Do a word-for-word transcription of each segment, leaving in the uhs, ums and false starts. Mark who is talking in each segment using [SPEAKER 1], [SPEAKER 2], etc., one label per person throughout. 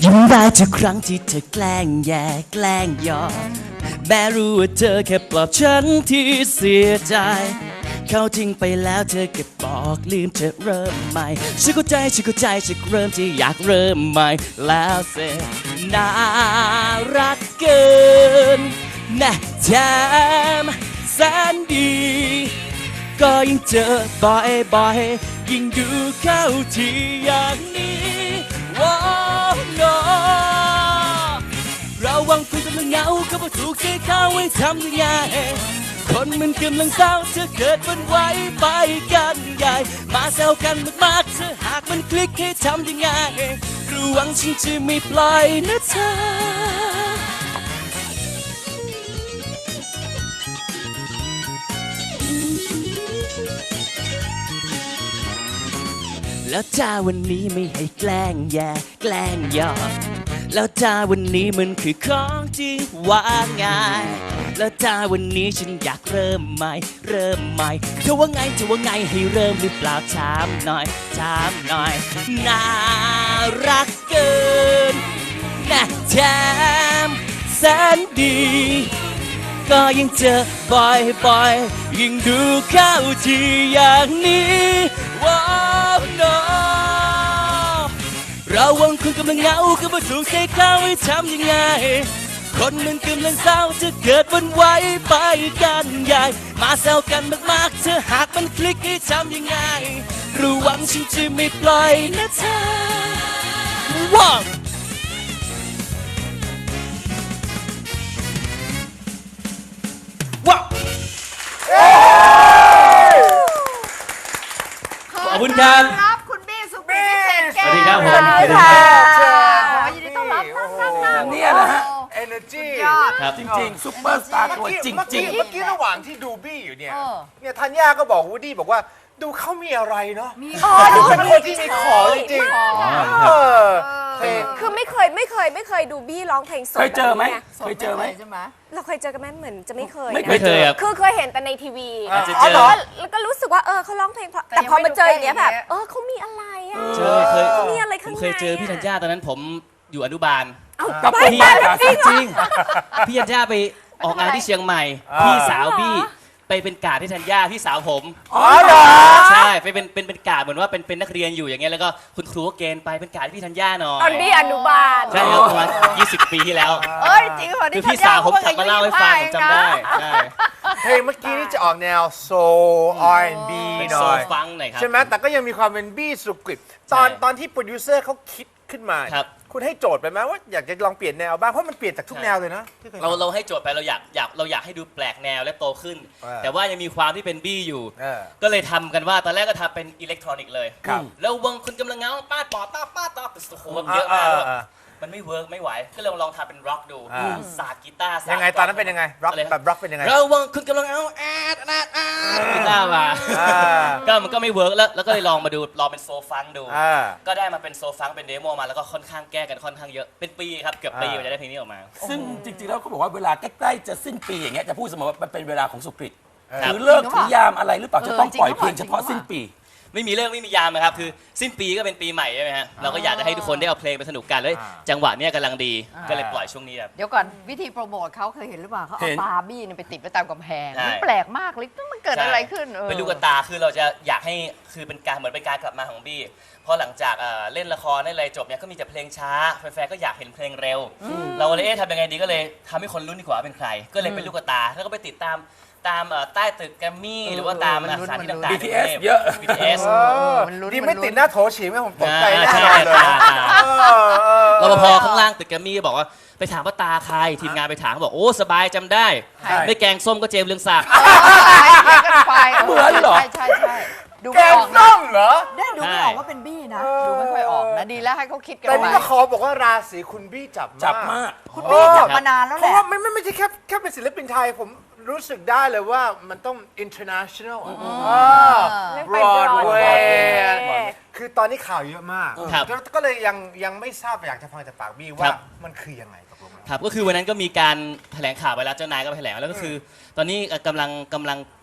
[SPEAKER 1] ยิ้มได้ทุกครั้งที่เธอแกล้งแย่แกล้งหยอกแม้รู้ว่าเธอแค่ปลอบฉันที่เสียใจเขาทิ้งไปแล้วเธอก็บอกลืมจะเริ่มใหม่ฉันเข้าใจฉันเข้าใจฉันเริ่มที่อยากเริ่มใหม่แล้วเสร็จน่ารักเกินนะแถมแสนดีก็ยิ่งเจอบ่อยบ่อยยิ่งดูเข้าที่อย่างนี้ว้าวโนเราวังคุยกำลังเหงาก็พอถูกใจเขาให้ทำยังไงคนมันกำลังเศร้าเธอเกิดวันไหวไปกันใหญ่มาแซวกันมากๆเธอหากมันคลิกให้ทำยังไงระวังฉันจะไม่ปล่อยนะเธอแล้วถ้าวันนี้ไม่ให้แกล้งแย่แกล้งหยอกแล้วถ้าวันนี้มันคือของจริงว่าไงแล้วถ้าวันนี้ฉันอยากเริ่มใหม่เริ่มใหม่เธอว่าไงเธอว่าไงให้เริ่มหรือเปล่าถามหน่อยถามหน่อยน่ารักเกินนะแถมแสนดีก็ยิ่งเจอบ่อยบ่อยยิ่งดูเข้าที่อย่างนี้ว้าวโนเราวังคุณกำลังเหงาก็มาถูกใจเขาให้ทำยังไงคนมันกำลังเศร้าจะเกิดวันไหวไปกันใหญ่มาแซวกันมากๆเธอหากมันคลิกให้ทำยังไงระวังฉันจะไม่ปล่อยนะเธอว้าวว้าวขอบคุณครับ
[SPEAKER 2] ครับคุณบี้สุขุมวิทเศษแก้ว
[SPEAKER 1] สวัสดีครับผม
[SPEAKER 2] สวัสดีค่ะขอยินดีต้อนรับนั่งนั่งนั่ง
[SPEAKER 3] เนี่ยนะฮะ
[SPEAKER 4] energy
[SPEAKER 2] ยอด
[SPEAKER 1] ครับ
[SPEAKER 3] จริงๆซุปเปอร์สตาร์ตัวจริง
[SPEAKER 4] เมื่อ
[SPEAKER 3] จริ
[SPEAKER 4] กี้
[SPEAKER 3] ง
[SPEAKER 4] เมื่อกี้ระหว่างที่ดูบี้อยู่เนี่ย
[SPEAKER 2] เออ
[SPEAKER 4] เนี่ยธัญญาก็บอกวูดดี้บอกว่าดูเขามีอะไรเนาะ
[SPEAKER 2] มี
[SPEAKER 5] อ๋อดู
[SPEAKER 4] เป็นคนที่มีของจริง
[SPEAKER 2] ขอ
[SPEAKER 4] ๆเออ
[SPEAKER 2] เออ
[SPEAKER 5] คือไม่เคยไม่เคยไม่เคยดูบี้ร้องเพลงสด
[SPEAKER 3] เคยเจอไหม
[SPEAKER 5] แบบนี้ง
[SPEAKER 3] เคยเจอไหม
[SPEAKER 2] ใช่ไหม
[SPEAKER 5] เราเคยเจอกันไหมเหมือนจะไม่เคย
[SPEAKER 3] ไม่
[SPEAKER 5] นะ
[SPEAKER 1] ไม่เคยครับ
[SPEAKER 5] คือเคยเห็นแต่ในทีวี
[SPEAKER 1] อาจจะ
[SPEAKER 4] อ๋
[SPEAKER 1] เจ
[SPEAKER 4] อเหร
[SPEAKER 1] อ
[SPEAKER 4] อ
[SPEAKER 5] แล้วก็รู้สึกว่าเออเขาร้องเพลงเพราะ
[SPEAKER 2] แต่
[SPEAKER 5] แต่
[SPEAKER 2] ยัง
[SPEAKER 5] พอ
[SPEAKER 2] ไม่
[SPEAKER 5] มาเจออย่างเงี้ย
[SPEAKER 2] ดู
[SPEAKER 5] แบบ
[SPEAKER 2] ใกล้ๆ
[SPEAKER 5] เออเขามีอะไรอ่ะ
[SPEAKER 1] เจอเคย
[SPEAKER 5] เขามีอะไร
[SPEAKER 1] ผ
[SPEAKER 5] ข้าง
[SPEAKER 1] ม
[SPEAKER 5] ใน
[SPEAKER 1] เคยเจอพี่ธัญญาตอนนั้นผมอยู่อนุบาล
[SPEAKER 5] เอา
[SPEAKER 3] กับ
[SPEAKER 5] ไป
[SPEAKER 3] พี่
[SPEAKER 5] ไป
[SPEAKER 3] ยา
[SPEAKER 5] จริงเหรอ
[SPEAKER 1] จริงพี่ธัญญาไปออกงานที่เชียงใหม่ พี่สาวพี่ไปเป็นกาดที่ธัญญาพี่สาวผม
[SPEAKER 4] อ๋อเหรอ
[SPEAKER 1] ใช่ไปเป็นเป็นเป็นกาดเหมือนว่าเป็นเป็นนักเรียนอยู่อย่างเงี้ยแล้วก็คุณครูก็เกณฑ์ไปเป็นกาดที่พี่ธัญญาหน่อ
[SPEAKER 5] ตอน
[SPEAKER 1] ย
[SPEAKER 5] บี้อนุบาล
[SPEAKER 1] ใช่ครับประมาณยี่สิบปีที่แล้ว
[SPEAKER 2] เอ้ยจริงเหรอ
[SPEAKER 1] คือพี่สาวผมกลับมาเล่าให้ฟังผมจำได้ใช่
[SPEAKER 4] เพลงเมื่อกี้นี่จะออกแนว soul อาร์ แอนด์ บี
[SPEAKER 1] เป็น
[SPEAKER 4] หน่
[SPEAKER 1] โซ
[SPEAKER 4] อย
[SPEAKER 1] ฟังหน่อยครับ
[SPEAKER 4] ใช่ไหมแต่ก็ยังมีความเป็นบี้สุกริตตอน
[SPEAKER 1] ใช่
[SPEAKER 4] ตอนที่โปรดิวเซอร์เขาคิดขึ้นมา
[SPEAKER 1] ครับ
[SPEAKER 4] คุณให้โจทย์ไปไหมว่าอยากจะลองเปลี่ยนแนวบ้างเพราะมันเปลี่ยนจากทุกแนวเลยนะที่คย
[SPEAKER 1] เราเราให้โจทย์ไปเราอยากอยากเราอยากให้ดูแปลกแนวและโตขึ้น
[SPEAKER 4] เออ
[SPEAKER 1] แต่ว่ายังมีความที่เป็นบี้อยู่
[SPEAKER 4] เออ
[SPEAKER 1] ก็เลยทำกันว่าตอนแรกก็ทำเป็นอิเล็กทรอนิกส์เลย
[SPEAKER 4] ครับ
[SPEAKER 1] แล้ววงคุณกำลังเงาป้าดปอต้าป้าดต้าโอ้โหเยอะมาก
[SPEAKER 4] อ่า
[SPEAKER 1] มันไม่เวิร์กไม่ไหวก็เลยลองทำเป็นร็อกดู
[SPEAKER 4] อ่า
[SPEAKER 1] ศาสตร์กีตาร์ศาสตร์
[SPEAKER 4] ยังไงตอนนั้นเป็นยังไงร็อก
[SPEAKER 1] อะไร
[SPEAKER 4] แบบร็อกเป็นยังไง
[SPEAKER 1] ระวังคุณกำลังเอาแอดแอดแอดกีตาร์มา
[SPEAKER 4] อ่า
[SPEAKER 1] ก็มันก็ไม่เวิร์กแล้วแล้วก็เลยลองมาดูลองเป็นโซฟังดู
[SPEAKER 4] อ่า
[SPEAKER 1] ก็ได้มาเป็นโซฟังเป็นเดโมมาแล้วก็ค่อนข้างแก้กันค่อนข้างเยอะเป็นปีครับเกือบปีกว่าจะได้เพลงนี้ออกมา
[SPEAKER 3] ซึ่งจริงๆแล้วเขาบอกว่าเวลาใกล้ๆจะสิ้นปีอย่างเงี้ยจะพูดเสมอว่ามันเป็นเวลาของสุกริต
[SPEAKER 1] ครั
[SPEAKER 3] ห
[SPEAKER 1] บ
[SPEAKER 3] รือเลิกถือยามอะไรหรือเปล่าจะต้องปล่อยเพลงเฉพาะสิ้นปี
[SPEAKER 1] ไม่มีเรื่องไม่มียามนะครับคือสิ้นปีก็เป็นปีใหม่ใช่ไหมฮะเราก็อยากจะให้ทุกคนได้เอาเพลงไปสนุกกันเลย
[SPEAKER 4] อ่า
[SPEAKER 1] จังหวะเนี้ยกำลังดี
[SPEAKER 2] อ่า
[SPEAKER 1] ก็เลยปล่อยช่วงนี้ครับ
[SPEAKER 2] เดี๋ยวก่อนวิธีโปรโมทเขาเคยเห็นหรือเปล่าเขา
[SPEAKER 3] เห็
[SPEAKER 2] เอา
[SPEAKER 3] น
[SPEAKER 2] บาร์บี้เนี่ยไปติดไว้ตามกำแพง
[SPEAKER 1] ใช่
[SPEAKER 2] มันแปลกมากเลยมันเกิดอะไรขึ้นออ
[SPEAKER 1] เป็นลูกตาคือเราจะอยากให้คือเป็นการเหมือนเป็นการกลับมาของบี้เพราะหลังจากเอ่อเล่นละครเล่นอะไรจบเนี่ยก็มีแต่เพลงช้าแฟนๆก็อยากเห็นเพลงเร็ว เราเลยเอ๊ะทำยังไงดีก็เลยทำให้คนรุ่นดีกว่าว่าเป็นใคร ก็เลยเป็นลูกตาแล้วก็ไปติดตามตามเอ่อใต้ตึกแกรมมี่หรือว่าตามสถานที่ต่างๆ
[SPEAKER 3] บี ที เอส เยอะ
[SPEAKER 1] บี ที เอส
[SPEAKER 2] เออมันลุ้น
[SPEAKER 4] ดี
[SPEAKER 2] น
[SPEAKER 4] ไม่
[SPEAKER 2] ลุ้น
[SPEAKER 4] ติดหน้าโถฉีไหมผมตกใจ
[SPEAKER 1] อ่า
[SPEAKER 4] แน่
[SPEAKER 1] ใช่
[SPEAKER 4] นอนเลย
[SPEAKER 1] ตาตา
[SPEAKER 4] เออเออ
[SPEAKER 1] รปภข้างล่างตึกแกรมมี่บอกว่าไปถามว่าตาใครทีมงานไปถามเขาบอกโอ้สบายจำได้
[SPEAKER 3] ใช่
[SPEAKER 1] ไม่แกงส้มก็เจมส์เรืองศักดิ์
[SPEAKER 2] ไป
[SPEAKER 3] เหมือนเหรอ
[SPEAKER 2] ใช่ใช่ใช่ดู
[SPEAKER 4] แก
[SPEAKER 2] ไม่
[SPEAKER 4] ง
[SPEAKER 2] ออกนะ
[SPEAKER 4] ส้มเหรอ
[SPEAKER 2] ได้ดูไม่ออกว่าเป็นบี้นะ ดูไม่ค่อยออกนะดีแล้วให้เขาคิดกัน
[SPEAKER 4] แต่
[SPEAKER 2] ไว้
[SPEAKER 4] นี่ก็ขอบอกว่าราศีคุณบี้จับมาก
[SPEAKER 3] จับมาก
[SPEAKER 2] คุณบี้จับมานานแล้ว
[SPEAKER 4] เพ
[SPEAKER 2] แห
[SPEAKER 4] ราะ
[SPEAKER 2] ละ
[SPEAKER 4] ว่าไม่ไม่ไม่ใช่แค่แค่เป็นศิลปินไทยผมรู้สึกได้เลยว่ามันต้อง international อ่ะ
[SPEAKER 5] เรื่อง
[SPEAKER 4] บ
[SPEAKER 5] ไป
[SPEAKER 4] รอดเว
[SPEAKER 5] Broadway
[SPEAKER 4] ย์คือตอนนี้ข่าวเยอะมาก
[SPEAKER 1] ครับ
[SPEAKER 4] แล้วก็เลยยังยังไม่ทราบอยากจะฟังจากปากบี้
[SPEAKER 1] ค
[SPEAKER 4] ว่า
[SPEAKER 1] รับ
[SPEAKER 4] มันคือยังไงตกลงแล้ว
[SPEAKER 1] ครับก็คือวันนั้นก็มีการแถลงข่าวไปแล้วเจ้านายก็ไปแถลงแล้วก็คือ ตอนนี้เอ่อกำลังกำลัง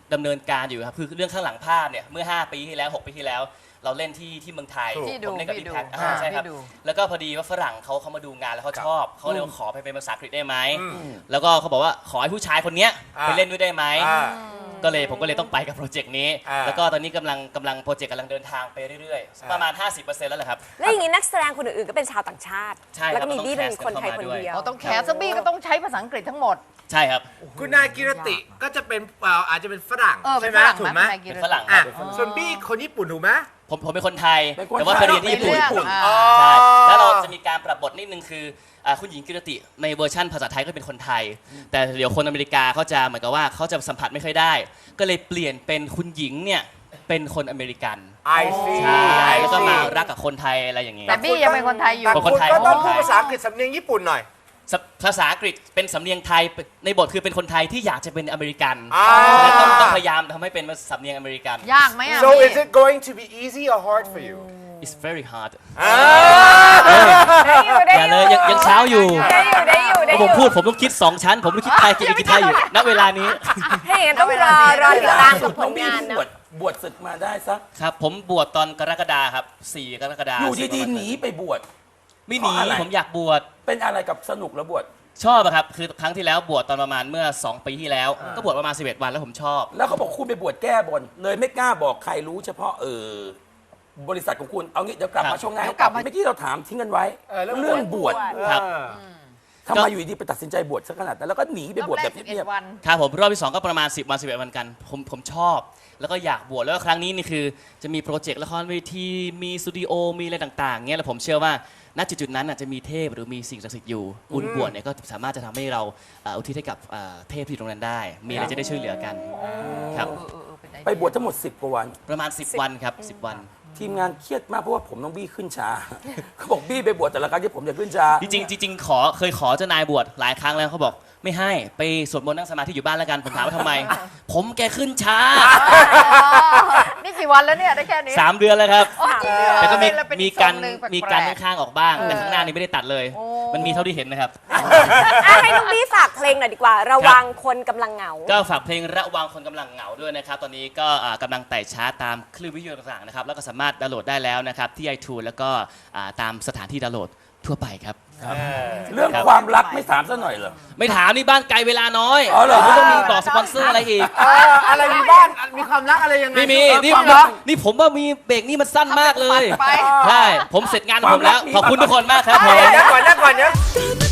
[SPEAKER 1] ดำเนินการอยู่ครับคือเรื่องข้างหลังภาพเนี่ยเมื่อห้าปีที่แล้วหกปีที่แล้ว เราเล่นที่ที่เมืองไทย
[SPEAKER 2] ที่ดู
[SPEAKER 1] ผมเล่นกับ
[SPEAKER 2] ที่
[SPEAKER 1] พี่
[SPEAKER 2] ดู
[SPEAKER 1] แพท
[SPEAKER 2] อ่า
[SPEAKER 1] ใช่ครับ
[SPEAKER 2] ที่ดู
[SPEAKER 1] แล้วก็พอดีว่าฝรั่งเขาเขามาดูงานแล้วเขาชอบเขาเลยขอไปเป็นภาษาอังกฤษได้ไหมแล้วก็เขาบอกว่าขอให้ผู้ชายคนเนี้ย
[SPEAKER 4] อ่า
[SPEAKER 1] ไปเล่นด้วยได้ไหม
[SPEAKER 4] อ่า
[SPEAKER 1] ก็เลยผมก็เลยต้องไปกับโปรเจกต์นี้
[SPEAKER 4] อ่า
[SPEAKER 1] แล้วก็ตอนนี้กำลังกำลังโปรเจกต์กำลังเดินทางไปเรื่อยๆ ประมาณ ห้าสิบเปอร์เซ็นต์ แล้วแหละครับ
[SPEAKER 5] แล้วอย่างนี้นักแสดงคนอื่นๆก็เป็นชาวต่างชาติ
[SPEAKER 1] ใช่ครับ
[SPEAKER 5] แล้วก็มี
[SPEAKER 1] ต้อง
[SPEAKER 5] บี้เป็นคนไทย
[SPEAKER 1] แคส
[SPEAKER 5] คน
[SPEAKER 1] เข้ามาด้วย
[SPEAKER 5] เดียว
[SPEAKER 2] เราต้องแคสซะบี้ก็ต้องใช้ภาษาอังกฤษทั้งหมด
[SPEAKER 1] ใช่ครับ
[SPEAKER 4] คุณนายกิรติก็จะเป็นเอ่ออาจจะเป็นฝรั่ง
[SPEAKER 2] เออเป็
[SPEAKER 4] ใช่
[SPEAKER 2] น
[SPEAKER 4] ไหม
[SPEAKER 2] ฝรั่ง
[SPEAKER 4] ถูกไหม
[SPEAKER 2] ไหม
[SPEAKER 1] เป็นฝรั่งค
[SPEAKER 4] อ่ะ
[SPEAKER 1] รับ
[SPEAKER 4] ส่วนบี้คนญี่ปุ่นถูกไหม
[SPEAKER 1] ผมผมเป็นคนไทย
[SPEAKER 3] เป็นคน
[SPEAKER 1] แต่ว่า
[SPEAKER 3] ไท
[SPEAKER 1] ไป
[SPEAKER 3] ย
[SPEAKER 1] เรียนที่ญี่ปุ่น
[SPEAKER 2] ในเรื่อง
[SPEAKER 3] ญี่ปุ่น
[SPEAKER 2] อ่า
[SPEAKER 1] ใช่ แล้วเราจะมีการปรับบทนิดนึงคืออ่าคุณหญิงกิรติในเวอร์ชั่นภาษาไทยก็เป็นคนไทย แต่เดี๋ยวคนอเมริกาเขาจะเหมือนกับว่าเขาจะสัมผัสไม่ค่อยได้ ก็เลยเปลี่ยนเป็นคุณหญิงเนี่ยเป็นคนอเมริกัน
[SPEAKER 4] I see
[SPEAKER 1] ใช่
[SPEAKER 4] I
[SPEAKER 1] แล้วก็มา
[SPEAKER 4] see
[SPEAKER 1] รักกับคนไทยอะไรอย่างเงี้ย
[SPEAKER 2] แต่บี้ยังเป็นคนไทยอยู่
[SPEAKER 4] แต่
[SPEAKER 1] เป็น
[SPEAKER 4] คุ
[SPEAKER 1] คน
[SPEAKER 4] ณ
[SPEAKER 1] ไทย
[SPEAKER 4] ก็ต้อง
[SPEAKER 1] เป็นคนไทย
[SPEAKER 4] พูดภาษาอังกฤษสำเนียงญี่ปุ่นหน่อย
[SPEAKER 1] สภาษาอังกฤษเป็นสำเนียงไทยในบทคือเป็นคนไทยที่อยากจะเป็นอเมริกัน
[SPEAKER 4] อ่า
[SPEAKER 1] ฉะนั้นต้องต้องพยายามทำให้เป็นสำเนียงอเมริกัน
[SPEAKER 2] ยากไหมอ่ะ
[SPEAKER 4] so
[SPEAKER 2] บี้
[SPEAKER 4] is it going to be easy or hard for you
[SPEAKER 1] it's very hard
[SPEAKER 4] อ่า
[SPEAKER 5] ได้
[SPEAKER 1] อย่าเลยยังยังเช้าอยู่
[SPEAKER 5] ได้อยู่ได้อยู่ได้
[SPEAKER 1] ถ้า
[SPEAKER 5] อ
[SPEAKER 1] ผม
[SPEAKER 5] ยู่
[SPEAKER 1] พูดผมต้องคิดสองชั้น ผมต้องคิดไทยคิดคิดไทยอยู่ณเวลานี้
[SPEAKER 5] ถ้าอย่างนั้นต้องรอรอติดตามกับผ
[SPEAKER 3] น้อ
[SPEAKER 5] ล
[SPEAKER 3] งบี้
[SPEAKER 5] งาน
[SPEAKER 3] เพิ่ง
[SPEAKER 5] นะ
[SPEAKER 3] บวชบวชศึกมาได้สัก
[SPEAKER 1] ครับผมบวชตอนกรกฎาครับสี่กรกฎา
[SPEAKER 3] อยู่ดีๆหนีไปบวช
[SPEAKER 1] ไม่หนี
[SPEAKER 3] เพราะอะไร
[SPEAKER 1] ผมอยากบวช
[SPEAKER 3] เป็นอะไรกับสนุกแล้วบวช
[SPEAKER 1] ชอบอะครับคือครั้งที่แล้วบวชตอนประมาณเมื่อสองปีที่แล้ว ก็บวชประมาณสิบเอ็ดวันแล้วผมชอบ
[SPEAKER 3] แล้วเขาบอกคุณไปบวชแก้บนเลยไม่กล้าบอกใครรู้เฉพาะเออบริษัทของคุณเอางี้เดี๋ยวกลับ
[SPEAKER 1] ครั
[SPEAKER 3] มา
[SPEAKER 1] บ
[SPEAKER 3] ช่วงหน้า
[SPEAKER 2] เดี๋ยวกลับมา
[SPEAKER 3] เมื่อกี้เราถามทิ้งกันไว้
[SPEAKER 4] เออเรื่อง
[SPEAKER 3] เรื่องบวช
[SPEAKER 1] ครับ
[SPEAKER 4] เออ
[SPEAKER 3] ทำไมอยู่ดีไปตัดสินใจบวชซะขนาดนั้นแล้วก็หนีไปบวชแบบ
[SPEAKER 2] รอบแรก
[SPEAKER 3] เงียบ
[SPEAKER 2] สิบเอ็ดวัน
[SPEAKER 1] ครับผมรอบที่สองก็ประมาณสิบวันสิบเอ็ดวันกันผมผมชอบ แล้วก็อยากบวชแล้วก็ครั้งนี้นี่คือจะมีโปรเจกต์ละครเวทีมีสตูดิโอมีอะไรต่างๆเงี้ยแล้วผมเชื่อว่าณจุดๆนั้นน่ะจะมีเทพหรือมีสิ่งศักดิ์สิทธิ์อยู่บุญบวชเนี่ยก็สามารถจะทำให้เราเอ่ออุทิศให้กับเอ่อเทพที่อยู่ตรงนั้นได้ มีอะไรจะได้ช่วยเหลือกันครับ
[SPEAKER 2] เออเออเออเป็นไอเดีย
[SPEAKER 3] ๆไปบวชทั้งหมดสิบกว่าวัน
[SPEAKER 1] ประมาณสิบวันครับสิบวัน
[SPEAKER 3] ทีมงานเครียดมากเพราะว่าผมต้องบี้ขึ้นช้า เขาบอกบี้ไปบวชแต่ละครั้งที่ผมจะขึ้นช้า
[SPEAKER 1] จริงๆจริงๆขอเคยขอเจ้านายบวชหลายครั้งแล้วเขาบอกไม่ให้ไปสวดมนต์นั่งสมาธิอยู่บ้านแล้วกันผมถามว่าทำไม ผมแกขึ้นช้า
[SPEAKER 2] นี่กี่วันแล้วเนี่ยได้แค่นี้
[SPEAKER 1] สามเดือนแล้วครับ
[SPEAKER 2] อ๋อจริงเหรอ
[SPEAKER 1] แต่ก็มี
[SPEAKER 2] แล้วเป็น
[SPEAKER 1] มี
[SPEAKER 2] อี
[SPEAKER 1] การ
[SPEAKER 2] ทงหนึ่งแปลกๆ
[SPEAKER 1] มีการข้างๆออกบ้าง แต่ข้างหน้านี่ไม่ได้ตัดเลย
[SPEAKER 2] โอ้
[SPEAKER 1] มันมีเท่าที่เห็นนะครับ
[SPEAKER 5] อ่ะให้น้องบี้ฝากเพลงหน่อยดีกว่า ระวังคนกำลังเหงา
[SPEAKER 1] ก็ฝากเพลงระวังคนกำลังเหงาด้วยนะครับ ตอนนี้ก็อ่ากำลังไต่ชาร์ตตามคลื่นวิทยุต่างๆนะครับ แล้วก็สามารถดาวน์โหลดได้แล้วนะครับที่ ไอทูน แล้วก็อ่าตามสถานที่ดาวน์โหลดทั่วไปครับ
[SPEAKER 3] เรื่องความรักไม่ถามซะหน่อยเหรอ
[SPEAKER 1] ไม่ถามนี่บ้านไกลเวลาน้อย
[SPEAKER 3] อ๋อเหรอ
[SPEAKER 1] ผมต้องมีบอกสปอนเซอร์อะไรอีก
[SPEAKER 4] เอออะไรมีบ้านมีความรักอะไรยังไง
[SPEAKER 1] ไม่มี
[SPEAKER 4] เออ
[SPEAKER 1] นี่
[SPEAKER 4] ความรัก
[SPEAKER 1] นี่ผมว่ามีเบรกนี่มันสั้นมากเลย
[SPEAKER 2] ไป
[SPEAKER 1] ใช่ ผมเสร็จงานของผมแล้ว
[SPEAKER 3] ความรักมี
[SPEAKER 1] ขอบคุณทุกคนมากครับผม
[SPEAKER 4] เดี๋ยวก่อนเดี๋ยวก่อนเดี๋ยว
[SPEAKER 6] Baby